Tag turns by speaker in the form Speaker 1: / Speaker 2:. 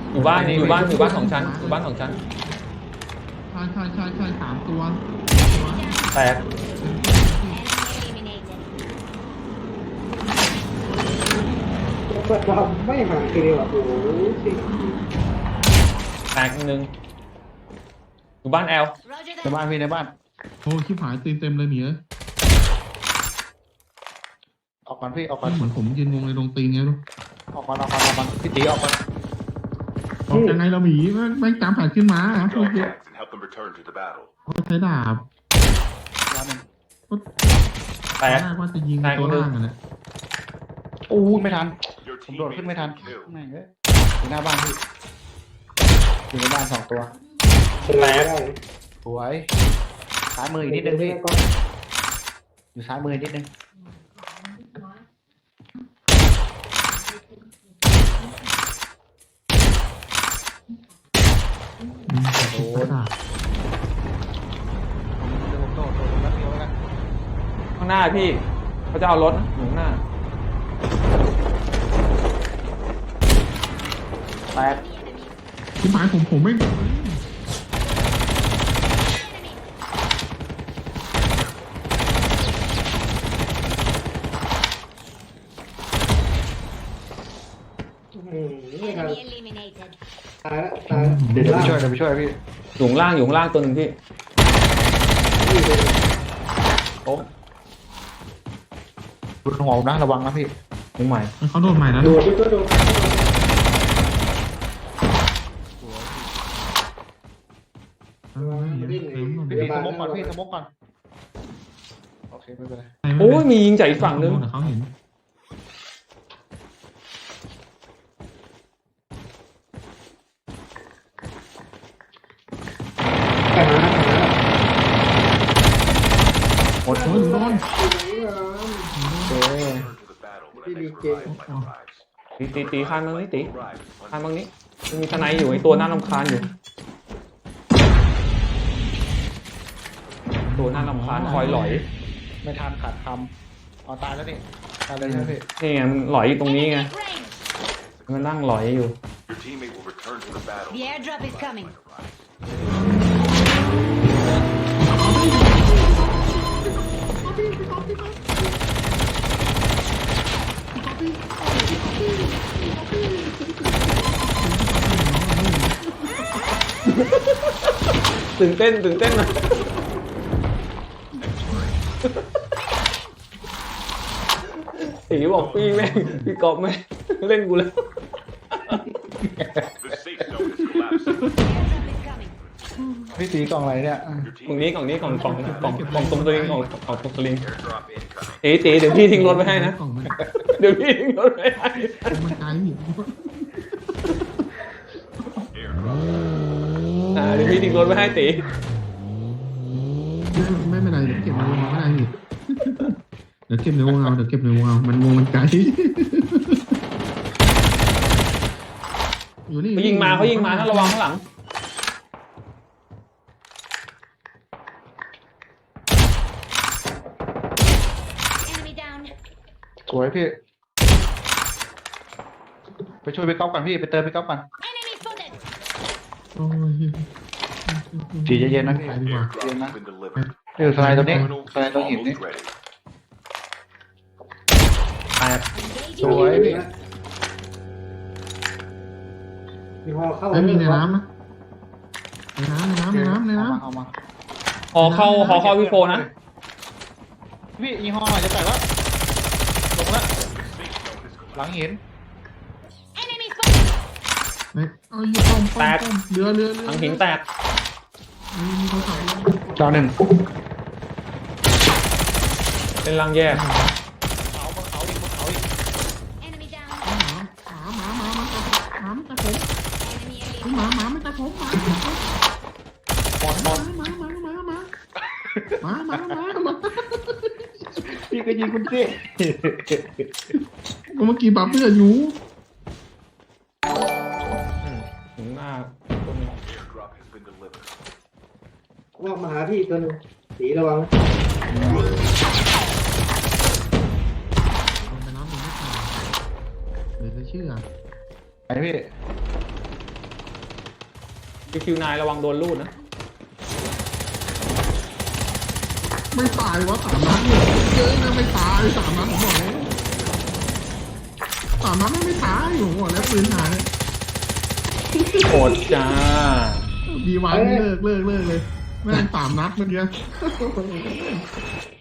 Speaker 1: อยู่บ้านสองชั้นอยู่บ้านสองชั้น
Speaker 2: ใช่สามตัว
Speaker 1: แตก
Speaker 3: เราไม่ห่างทีเดียวโอ้โหสิ
Speaker 1: แตกหนึ่งอยู่บ้านแอล
Speaker 4: ในบ้านพี่ในบ้าน
Speaker 2: โอ้ชิบหายตีเต็มเลยเหนีย
Speaker 4: ออกก่อนพี่ออกก่อน
Speaker 2: เหมือนผมยืนงงในโรงตีนไงลูก
Speaker 4: ออกก่อนพี่ตีออกก่อน
Speaker 2: ออกยังไงเราหมีแม่งตามผ่านขึ้นมาพวก
Speaker 5: Join
Speaker 2: เนี้ย
Speaker 5: hands and help them return to the battle.
Speaker 2: ใช้ดาบ
Speaker 4: ร้านหนึ่ง
Speaker 1: แตก
Speaker 2: ว่าจะยิงตัวล่างอ่ะนะ
Speaker 4: โอ้ไม่ทัน
Speaker 5: Your
Speaker 4: ผมโดด
Speaker 5: teammate
Speaker 4: ขึ้นไม่ทัน
Speaker 5: has been killed.
Speaker 4: แม่งเอ้ยอยู่หน้าบ้านพี่อยู่ในบ้านสองตัว
Speaker 3: เป็นไรได้
Speaker 4: สวยซ้ายมืออีกนิดนึงพี่อยู่ซ้ายมืออีกนิดนึง
Speaker 2: โอ้ย
Speaker 4: เดี๋ยวผมโดดแป๊บเดียวแล้วกัน
Speaker 1: ข้างหน้าพี่เขาจะเอารถอยู่ข้างหน้า
Speaker 4: แตก
Speaker 2: ชิบหายผมไม่
Speaker 3: ไม่ทัน
Speaker 6: Enemy eliminated.
Speaker 3: ตายแล้วตาย
Speaker 4: เดี๋ยวไปช่วยพี่
Speaker 1: อยู่ข้างล่างตัวหนึ่งพี่โอ้
Speaker 4: รุนหัวผมนะระวังนะพี่
Speaker 1: ยิงใหม่
Speaker 2: เขาโดนใหม่แล้ว
Speaker 3: โดดพี่ก็โดด
Speaker 4: พี่ตีสมกก่อนพี่สมกก่อนโอเคไม่เป็นไร
Speaker 1: โอ้ยมียิงจากอีกฝั่งนึง
Speaker 2: เขาเห็น
Speaker 3: แต่หา
Speaker 4: หมด
Speaker 2: โอ้ยโดน
Speaker 4: เจ๊
Speaker 5: Return to the battle when the next revival flight arrives.
Speaker 1: ตีข้ามบางนี้ตี
Speaker 5: Arrives
Speaker 1: ข้ามบางนี้มันมีทนายอยู่ไอตัวน่ารำคาญอยู่ตัวน่ารำคาญคอยหลอย
Speaker 4: ไม่ทันขาดคำเอาตายแล้วนี่ตายเลยใช่ไหมพี่
Speaker 1: นี่ไงมันหลอยอยู่ตรงนี้ไง
Speaker 6: Enemy at range.
Speaker 1: มันนั่งหลอยอยู่
Speaker 5: Your teammate will return to the battle.
Speaker 6: The airdrop is coming.
Speaker 1: ตื่นเต้นนะตีบอกพี่กอบแม่งเล่นกูแล้ว
Speaker 5: The safe zone is collapsing.
Speaker 6: Airdrop is coming.
Speaker 4: พี่ตีกล่องอะไรเนี่ย
Speaker 5: Your
Speaker 1: กล่อง
Speaker 5: teammate
Speaker 1: นี้ตรงตัวเองของตรงสลิง
Speaker 5: airdrop incoming.
Speaker 1: ตีเดี๋ยวพี่ทิ้งรถไว้ให้นะ
Speaker 2: กล่องมัน
Speaker 1: เดี๋ยวพี่ทิ้งรถไว้ให้
Speaker 2: มันไกล
Speaker 5: Airdrop.
Speaker 1: เดี๋ยวพี่ทิ้งรถไว้ให้ตี
Speaker 2: ไม่เป็นไรเดี๋ยวเก็บในวงเอาไม่ได้พี่เดี๋ยวเก็บในวงเอามันวงมันไกลอยู่นี่
Speaker 1: เขายิงมาถ้าระวังข้างหลัง
Speaker 6: Enemy down.
Speaker 4: สวยพี่ไปช่วยพี่ก๊อฟก่อนพี่ไปเติมพี่ก๊อฟก่อน
Speaker 6: Enemy spotted.
Speaker 2: โอ้ย
Speaker 4: ตีเย็นๆนะพี่
Speaker 2: ไปดีกว่า
Speaker 5: Airdrop has been delivered.
Speaker 4: นี่อยู่สไลด์ตรงนี้
Speaker 5: Terminal
Speaker 4: สไลด์ตรงหินนี่
Speaker 5: almost ready.
Speaker 1: แตก
Speaker 4: สวยพี่
Speaker 3: มีพอเข้า
Speaker 2: ไม่มีในน้ำนะในน้ำ
Speaker 4: เอามา
Speaker 1: หอเข้าพี่โฟนะ
Speaker 4: พี่ยี่ห้อจะแตกแล้วลงแล้ว
Speaker 5: Safe zone is
Speaker 4: หลังหิน
Speaker 6: Enemy spotted.
Speaker 2: เอาอยู่ป้อมเรือ
Speaker 1: หลังหินแตก
Speaker 2: มีเขาขับ
Speaker 4: ดาวหนึ่ง
Speaker 1: เป็นรังแยก
Speaker 4: เขาบนเขาอีกบนเขาอีก
Speaker 6: Enemy down.
Speaker 2: หมามันตะผม
Speaker 6: Enemy
Speaker 2: หมา
Speaker 6: eliminated.
Speaker 2: มันตะผมหมา
Speaker 4: หมด พี่ก็ยิงคุณสิ
Speaker 2: เมื่อกี้บัฟเพื่อนอยู่
Speaker 1: ถึงหน้าคนนี้
Speaker 5: Airdrop has been delivered.
Speaker 3: ว่ามาหาพี่ตัวนึงสีระวัง
Speaker 2: ไปน้ำหนึ่งไม่ขาดเดี๋ยวจะเชื่อ
Speaker 4: ไหนพี่
Speaker 1: พี่คิวนายระวังโดนลูดนะ
Speaker 2: ไม่ตายวะ3 นัดเนี่ยเยอะนะไม่ตาย3 นัดผมบอกเลย3 นัดไม่ตายผมบอกแล้วปืนหาย
Speaker 1: โอดจ้า
Speaker 2: ดีวันเลิกเลยแม่ง3 นัดเมื่อกี้